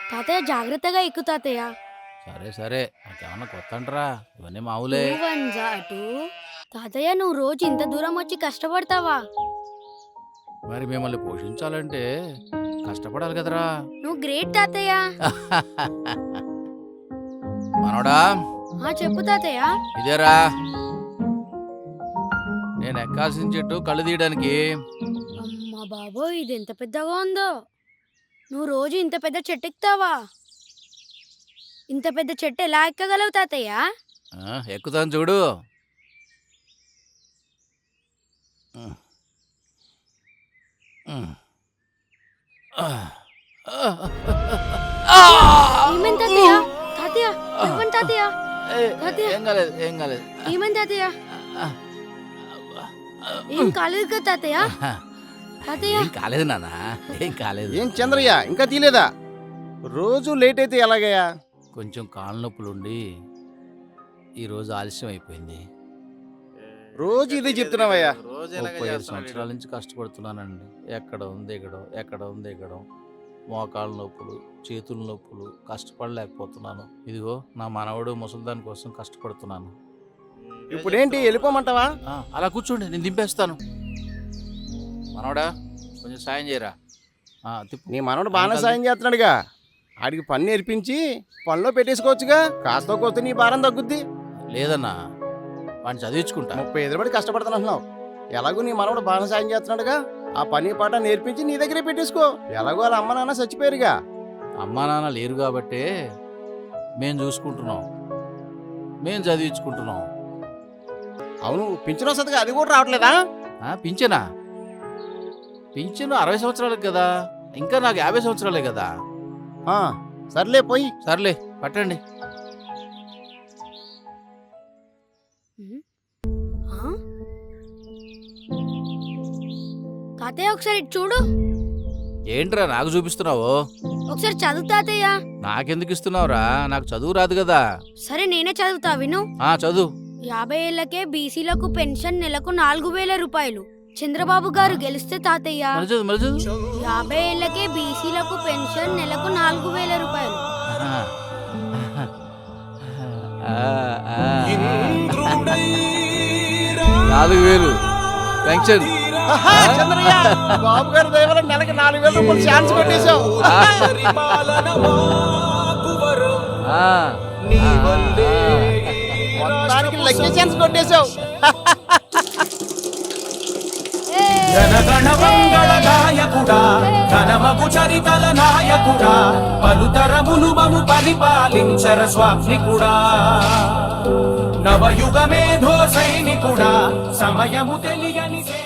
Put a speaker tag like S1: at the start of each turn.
S1: తాతయ్య జాగ్రత్తగా ఎక్కు తాతయ్య.
S2: సరే సరే, నాకేమన్నా కొత్త అంటరా? ఇవన్నీ మామూలే.
S1: అటు తాతయ్య నువ్వు రోజు ఇంత దూరం వచ్చి కష్టపడతావా?
S2: మరి మిమ్మల్ని పోషించాలంటే కష్టపడాలి కదరా.
S1: నువ్వు గ్రేట్ తాతయ్య.
S2: మనోడా,
S1: చెప్పు తాతయ్య.
S2: ఇదేరా నేను ఎక్కాల్సిన చెట్టు కళ్ళు తీయడానికి.
S1: అమ్మా బాబోయ్, ఇది ఎంత పెద్దగా ఉందో. నువ్వు రోజు ఇంత పెద్ద చెట్టు ఎక్కుతావా? ఇంత పెద్ద చెట్టు ఎలా ఎక్కగలవు తాతయ్య?
S2: ఎక్కుతాను చూడు.
S1: ఏమైంది తాతయ్య? తాతయ్య ఇవ్వండి తాతయ్య.
S2: ఏం కాలేదు, ఏం కాలేదు.
S1: ఏమైంది తాతయ్య? ఏం కాలేదు కదా తాతయ్య? తాతయ్య
S2: ఏం కాలేదు నాన్న, ఏం కాలేదు.
S3: ఏం చంద్రయ్య ఇంకా తీలేదా? రోజు లేట్ అయితే ఎలాగయ్యా?
S2: కొంచెం కాళ్ళ నొప్పులుండి ఈరోజు ఆలస్యం అయిపోయింది.
S3: రోజు ఇదే చెప్తున్నావయ్యా.
S2: 35 సంవత్సరాల నుంచి కష్టపడుతున్నానండి. ఎక్కడ ఉంది ఎక్కడం, ఎక్కడ ఉంది ఎక్కడం, మోకాళ్ళ నొప్పులు, చేతుల నొప్పులు, కష్టపడలేకపోతున్నాను. ఇదిగో నా మనవడు ముసలిదాని కోసం కష్టపడుతున్నాను.
S3: ఇప్పుడేంటి వెళ్ళిపోమంటావా?
S2: అలా కూర్చోండి, నేను దింపేస్తాను. మనవడా కొంచెం సాయం చేయరా.
S3: నీ మనవడు బాగానే సాయం చేస్తున్నాడుగా. ఆడికి పని నేర్పించి పనిలో పెట్టేసుకోవచ్చుగా. కాస్త కోస్తే నీ భారం తగ్గుద్ది.
S2: లేదన్నా, వాడిని చదివించుకుంటా.
S3: 35 ఏళ్ళు కష్టపడుతున్నావు. ఎలాగో నీ మనవడు బాగానే సాయం చేస్తున్నాడుగా. ఆ పని పాట నేర్పించి నీ దగ్గరే పెట్టేసుకో. ఎలాగో వాళ్ళ అమ్మ నాన్న చచ్చిపోయారుగా.
S2: అమ్మా నాన్న లేరు కాబట్టే మేము చూసుకుంటున్నాం, మేము చదివించుకుంటున్నాం.
S3: అవును, పింఛన్ వస్తుందిగా, అది కూడా రావట్లేదా?
S2: పింఛనా? పింఛను 60 సంవత్సరాలకు కదా, ఇంకా నాకు 50 సంవత్సరాలే కదా.
S3: సర్లే పోయి.
S2: సర్లే పట్టండి.
S1: తాతయ్య ఒకసారి చూడు.
S2: ఏంట్రా నాకు చూపిస్తున్నావు?
S1: ఒకసారి చదువు తాతయ్య.
S2: నాకెందుకు ఇస్తున్నావురా? నాకు చదువు రాదు కదా.
S1: సరే నేనే చదువుతా, విను.
S2: చదువు.
S1: 50 ఏళ్లకే బీసీలకు పెన్షన్ నెలకు 4000 రూపాయలు. చంద్రబాబు గారు గెలిస్తే తాతయ్య 50 ఏళ్లకే బీసీలకు పెన్షన్ నెలకు 4000 రూపాయలు.
S2: 4000 పెన్షన్.
S3: చంద్రయ్య, బాబు గారి దయ వల్ల నెలకి 4000 రూపాయలు ఛాన్స్ కొట్టేశావు. మొత్తానికి లక్కీ ఛాన్స్ కొట్టేశావు.
S4: జనగణ మంగళ నాయకుడా, ఘనమగు చరితల నాయకుడా, పలుతరములు మము పరిపాలించర స్వామికుడా, నవయుగ మేధో సైనికుడా, సమయము తెలియని